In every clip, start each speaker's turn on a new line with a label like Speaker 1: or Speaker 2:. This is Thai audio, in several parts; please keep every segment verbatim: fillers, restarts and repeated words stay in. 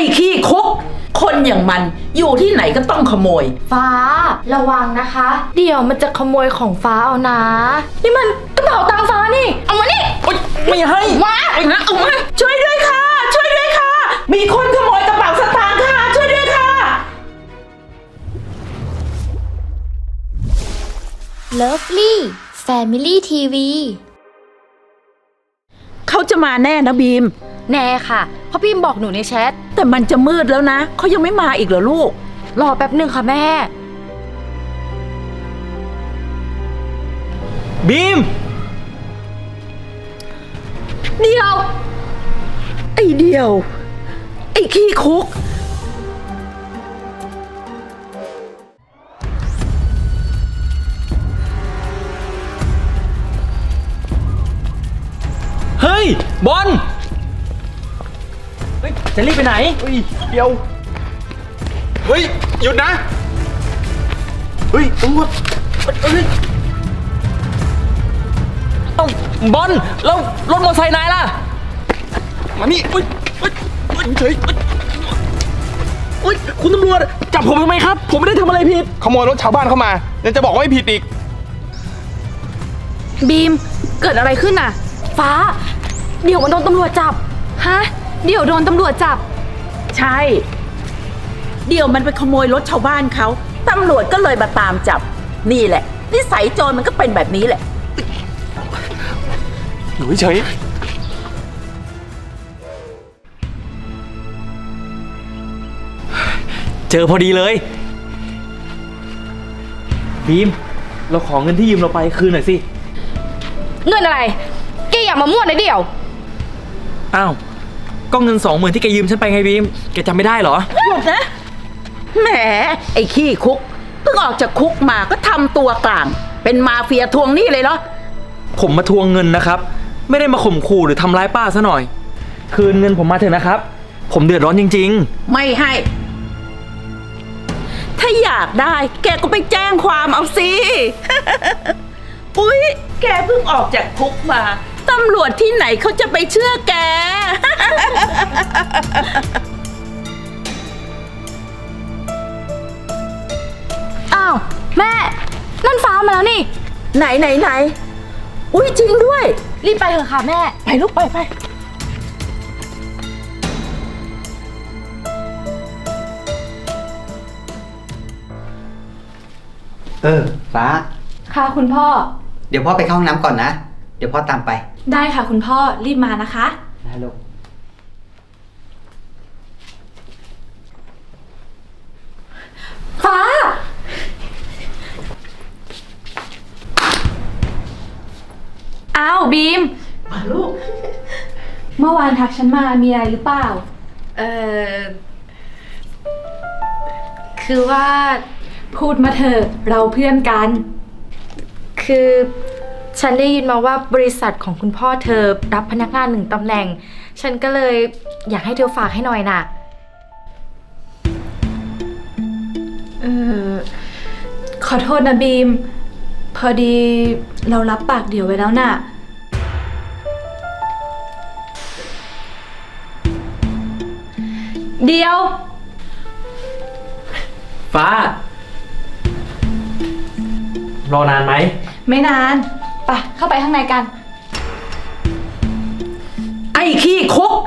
Speaker 1: ขี้คุกคนอย่างมันอยู่ที่ไหนก็ต้องขโมย
Speaker 2: ฟ้าระวังนะคะ เดี๋ยวมันจะขโมยของฟ้าเอานะ นี่มันกระเป๋าตังค์ฟ้านี่เอามานี่
Speaker 3: ไม่ให้
Speaker 2: มาเอามา
Speaker 1: ช่วยด้วยค่ะช่วยด้วยค่ะมีคนขโมยกระเป๋าสตางค์ค่ะช่วยด้วยค่ะ
Speaker 4: Lovely Family ที วี
Speaker 1: เขาจะมาแน่นะบีม
Speaker 2: แน่ค่ะเพราะพี่บอกหนูในแชท
Speaker 1: แต่มันจะมืดแล้วนะเขายังไม่มาอีกเหรอลูก
Speaker 2: รอแป๊บหนึ่งค่ะแม่
Speaker 3: บีม
Speaker 2: เดียว
Speaker 1: ไอเดียวไอขี้คุก
Speaker 3: เฮ้ยบอลเฮ้ยจะรีบไปไหนเฮ้ยเดี๋ยวเฮ้ยหยุดนะเฮ้ยตำรวจเฮ้ยเอ้าบอลแล้วรถมอเตอร์ไซค์นายล่ะมานี่เฮ้ยเฮ้ยเฮ้ยเฉยเฮ้ยคุณตำรวจจับผมทำไมครับผมไม่ได้ทำอะไรผิด
Speaker 5: ขโมยรถชาวบ้านเข้ามายังจะบอกว่าไม่ผิดอีก
Speaker 2: บีมเกิดอะไรขึ้นน่ะฟ้าเดี๋ยวมันโดนตำรวจจับฮะเดี๋ยวโดนตำรวจจับ
Speaker 1: ใช่เดี๋ยวมันไปขโมยรถชาวบ้านเขาตำรวจก็เลยมาตามจับนี่แหละนิสัยโจรมันก็เป็นแบบนี้แหละ
Speaker 5: อยู่เฉย
Speaker 3: เจอพอดีเลยบีมเราขอเงินที่ยืมเราไปคืนหน่อยสิ
Speaker 2: เงินอะไรแกอย่ามามั่วนะเดี๋ยว
Speaker 3: อ้าวก็เงินสองหมื่นที่แกยืมฉันไปไงบีมแกจำไม่ได้เหรอ
Speaker 1: หยุดนะแหมไอ้ขี้คุกเพิ่งออกจากคุกมาก็ทำตัวกลางเป็นมาเฟียทวงหนี้เลยเหรอ
Speaker 3: ผมมาทวงเงินนะครับไม่ได้มาข่มขู่หรือทำร้ายป้าซะหน่อยคืนเงินผมมาเถอะนะครับผมเดือดร้อนจริง
Speaker 1: ๆไม่ให้ถ้าอยากได้แกก็ไปแจ้งความเอาสิ อุ๊ยแกเพิ่งออกจากคุกมาตำรวจที่ไหนเขาจะไปเชื่อแก
Speaker 2: อ้าวแม่นั่นฟ้ามาแล้วนี่
Speaker 1: ไหนไหนไหนอุ๊ยจริงด้วย
Speaker 2: รีบไปเถอะค่ะแม่
Speaker 1: ไปลูกไปไป
Speaker 6: เออฟ้า
Speaker 2: ค่ะคุณพ่อ
Speaker 6: เดี๋ยวพ่อไปเข้าห้องน้ำก่อนนะเดี๋ยวพ่อตามไป
Speaker 2: ได้ค่ะคุณพ่อรีบมานะคะ
Speaker 6: ได้ลูก
Speaker 2: ฟ้าอ้าวบีม
Speaker 1: มาลูก
Speaker 2: เมื่อวานทักฉันมามีอะไรหรือเปล่าเออคือว่าพูดมาเถอะเราเพื่อนกันคือฉันได้ยินมาว่าบริษัทของคุณพ่อเธอรับพนักงานหนึ่งตำแหน่งฉันก็เลยอยากให้เธอฝากให้หน่อยน่ะเออขอโทษนะบีมพอดีเรารับปากเดี๋ยวไว้แล้วน่ะเดียว
Speaker 3: ฟ้ารอนานไหม
Speaker 2: ไม่นานไปเข้าไปข้างในกัน
Speaker 1: ไอ้ขี้คุก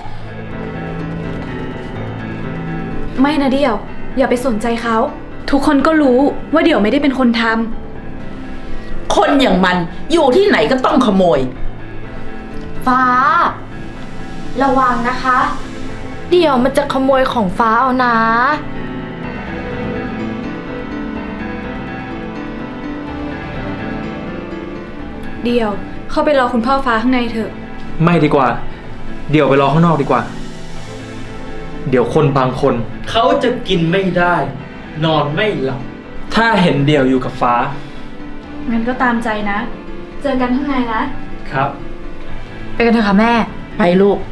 Speaker 2: ไม่นะเดี่ยวอย่าไปสนใจเขาทุกคนก็รู้ว่าเดี่ยวไม่ได้เป็นคนท
Speaker 1: ำคนอย่างมันอยู่ที่ไหนก็ต้องขโมย
Speaker 2: ฟ้าระวังนะคะเดี่ยวมันจะขโมยของฟ้าเอานะเดี่ยวเข้าไปรอคุณพ่อฟ้าข้างในเถอะ
Speaker 3: ไม่ดีกว่าเดี๋ยวไปรอข้างนอกดีกว่าเดี๋ยวคนบางคนเขาจะกินไม่ได้นอนไม่หลับถ้าเห็นเดี่ยวอยู่กับฟ้า
Speaker 2: งั้นก็ตามใจนะเจอกันข้างในนะครับไปกันเถอะค่ะแม่
Speaker 1: ไปลูก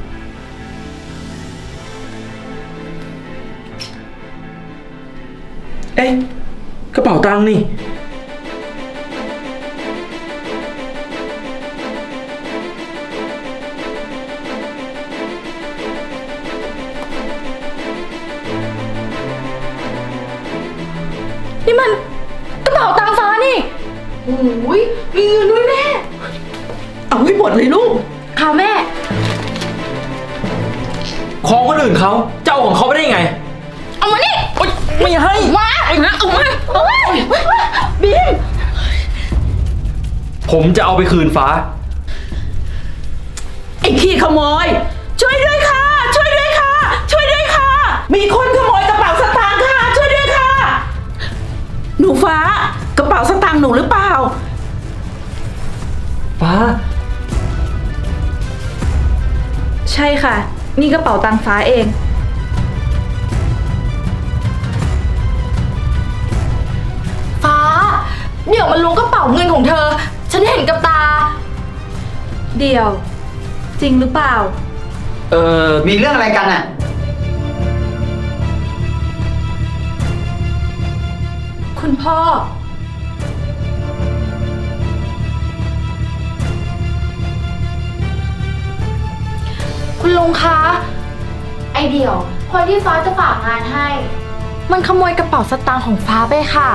Speaker 3: เอ๊ะกระเป๋าตังค์นี่
Speaker 2: นี่มันกระเป๋าตังค์ฟ้านี่โอ้ยมีเงินด้วยแม่
Speaker 1: เอาให้หมดเลยลูก
Speaker 2: ค่ะแม่
Speaker 3: ของคนอื่นเขาเจ้าของเขาไม่ได้ยังไง
Speaker 2: เอามานี่
Speaker 3: โอ๊ยไม่ให้
Speaker 2: มาเอามาเอามาเอามาบีม
Speaker 3: ผมจะเอาไปคืนฟ้า
Speaker 1: ไอ้ขี้ขโมย ช่วยด้วยค่ะ ช่วยด้วยค่ะ ช่วยด้วยค่ะ มีคนขโมยกระเป๋าสตางค์ค่ะ ช่วยด้วยค่ะ หนูฟ้ากระเป๋าสตางค์หนูหรือเปล่า
Speaker 3: ฟ้า
Speaker 2: ใช่ค่ะ นี่กระเป๋าตังค์ฟ้าเองฟ้า เดี๋ยวมันล้วงกระเป๋าเงินของเธอ ฉันเห็นกับตา เดี๋ยว จริงหรือเปล่า
Speaker 3: เออ
Speaker 6: มีเรื่องอะไรกันอ่ะ
Speaker 2: คุณพ่อ คุณลุงคะ ไอเดี่ยว คนที่ฟ้าจะฝากงานให้ มันขโมยกระเป๋าสตางค์ของฟ้าไปค่ะ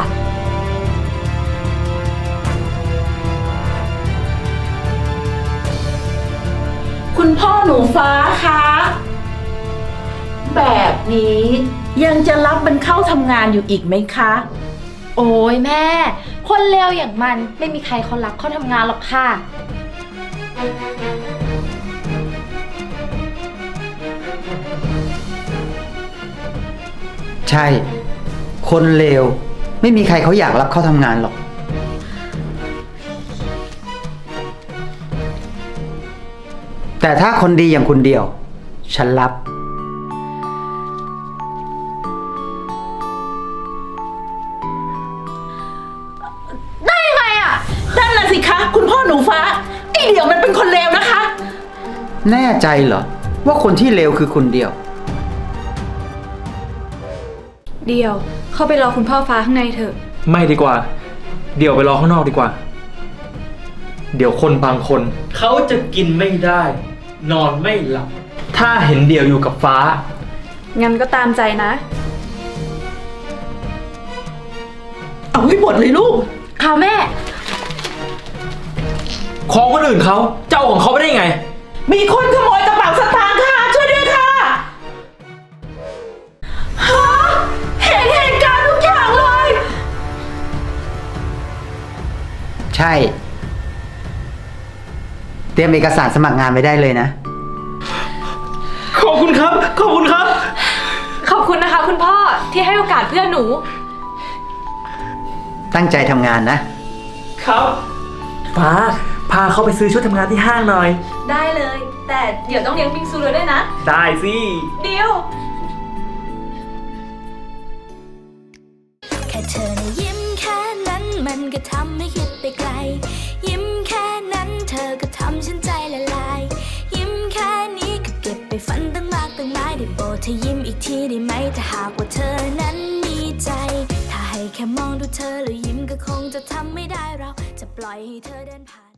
Speaker 1: คุณพ่อหนูฟ้าคะแบบนี้ยังจะรับมันเข้าทำงานอยู่อีกไหมคะ
Speaker 2: โอ้ยแม่ คนเลวอย่างมันไม่มีใครเขารักเขาทำงานหรอกค่ะ
Speaker 6: ใช่ คนเลวไม่มีใครเขาอยากรับเข้าทำงานหรอก แต่ถ้าคนดีอย่างคุณเดียว ฉันรับ
Speaker 1: ได้ยังไงอ่ะนั่นน่ะสิคะ คุณพ่อหนูฟ้าไอ้เดี๋ยวมันเป็นคนเลวนะคะ
Speaker 6: แน่ใจเหรอ ว่าคนที่เลวคือคุณเดียว
Speaker 2: เดี๋ยว เข้าไปรอคุณพ่อฟ้าข้างในเถอะ
Speaker 3: ไม่ดีกว่า เดี๋ยวไปรอข้างนอกดีกว่า เดี๋ยวคนบางคน เขาจะกินไม่ได้ นอนไม่หลับ ถ้าเห็นเดี่ยวอยู่กับฟ้า
Speaker 2: งั้นก็ตามใจนะ
Speaker 1: เอาให้หมดเลยลูก
Speaker 2: ค่ะแม่
Speaker 3: ของคนอื่นเขาเจ้าของเขาไม่ได้ยังไง
Speaker 1: มีคนขโมยกระเป๋าสตางค์ค่ะ ช่วยด้วยค่ะฮะเห็นเหตุการณ์ทุกอย่างเลย
Speaker 6: ใช่ เตรียมเอกสารสมัครงานไว้ได้เลยนะ
Speaker 3: ขอบคุณครับ ขอบคุณครับ
Speaker 2: ขอบคุณนะคะคุณพ่อที่ให้โอกาสเพื่อนหนู
Speaker 6: ตั้งใจทำงานนะ
Speaker 3: ครับ ฟ้า พาเขาไปซื้อชุดทำงานที่ห้างหน่อย
Speaker 2: ได้เลย แต่เดี๋ยวต้องเลี้ยงบิงซูเลยด้วยนะ
Speaker 3: ได้สิ
Speaker 2: เดียว
Speaker 4: แค่เธอนะยิ้มแค่นั้นมันก็ทำให้คิดไปไกล ยิ้มแค่นั้นเธอก็ทำฉันใจละลาย ยิ้มแค่นี้ก็เก็บไปฝันตั้งมากตั้งหลายได้โปรดเธอยิ้มอีกทีได้ไหมถ้าหากว่าเธอนั้นมีใจ ถ้าให้แค่มองดูเธอแล้วยิ้มก็คงจะทำไม่ได้เราจะปล่อยให้เธอเดินผ่าน